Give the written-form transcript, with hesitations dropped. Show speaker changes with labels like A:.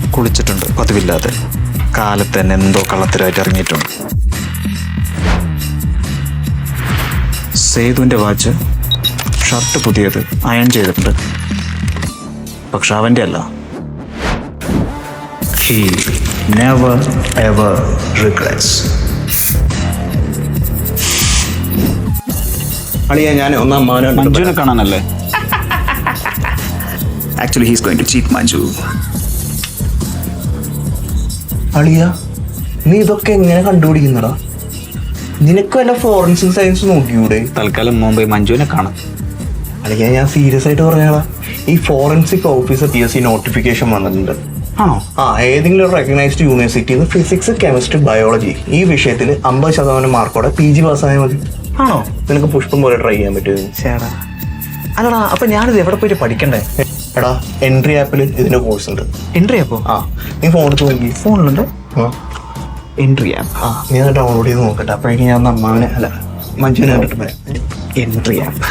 A: കുളിച്ചിട്ടുണ്ട് പതിവില്ലാതെ. കാലത്ത് തന്നെ എന്തോ കള്ളത്തരമായിട്ട് ഇറങ്ങിയിട്ടുണ്ട്. സേതുവിൻ്റെ വാച്ച്, ഷർട്ട് പുതിയത് അയൺ ചെയ്തിട്ടുണ്ട്. പക്ഷെ അവൻ്റെ അല്ല. He never ever regrets.
B: അളിയ ഞാൻ ഒന്നാം
A: മഞ്ജുവിനെ കാണാനല്ലേ?
B: Actually he's going to cheat Manju. അളിയ നീ ഇതൊക്കെ എങ്ങനെ കണ്ടുപിടിക്കുന്നടാ? നിനക്ക് വല്ല ഫോറൻസിക് സയൻസ് നോക്കിയൂടെ?
A: തൽക്കാലം മുമ്പേ മഞ്ജുവിനെ കാണാം.
B: അളിയ ഞാൻ സീരിയസ് ആയിട്ട് പറഞ്ഞാടാ, ഈ ഫോറൻസിക് ഓഫീസർ PSC നോട്ടിഫിക്കേഷൻ വന്നിട്ടുണ്ട്.
A: ആണോ?
B: ഏതെങ്കിലും ഒരു റെക്കഗ്നൈസ്ഡ് യൂണിവേഴ്സിറ്റിയിൽ ഫിസിക്സ്, കെമിസ്ട്രി, ബയോളജി ഈ വിഷയത്തിൽ 50% മാർക്കോടെ PG പാസ്സായാൽ മതി.
A: ആണോ?
B: നിനക്ക് പുഷ്പം പോലെ ട്രൈ ചെയ്യാൻ പറ്റുമോ?
A: ചേടാ, അല്ലടാ, അപ്പൊ ഞാനിത് എവിടെ പോയിട്ട് പഠിക്കണ്ടേ?
B: എടാ, എൻട്രി ആപ്പിൽ ഇതിന്റെ കോഴ്സ് ഉണ്ട്.
A: എൻട്രി ആപ്പോ?
B: നീ ഫോൺ എടുത്ത് നോക്കി.
A: ഫോണിലുണ്ട് എൻട്രി ആപ്പ്.
B: നീ അത് ഡൗൺലോഡ് ചെയ്ത് നോക്കട്ടെ. അപ്പോഴേക്കും ഞാൻ അമ്മാവനെ അല്ല മഞ്ജുവിനെ കണ്ടിട്ട് പറയാം.
A: Entry app.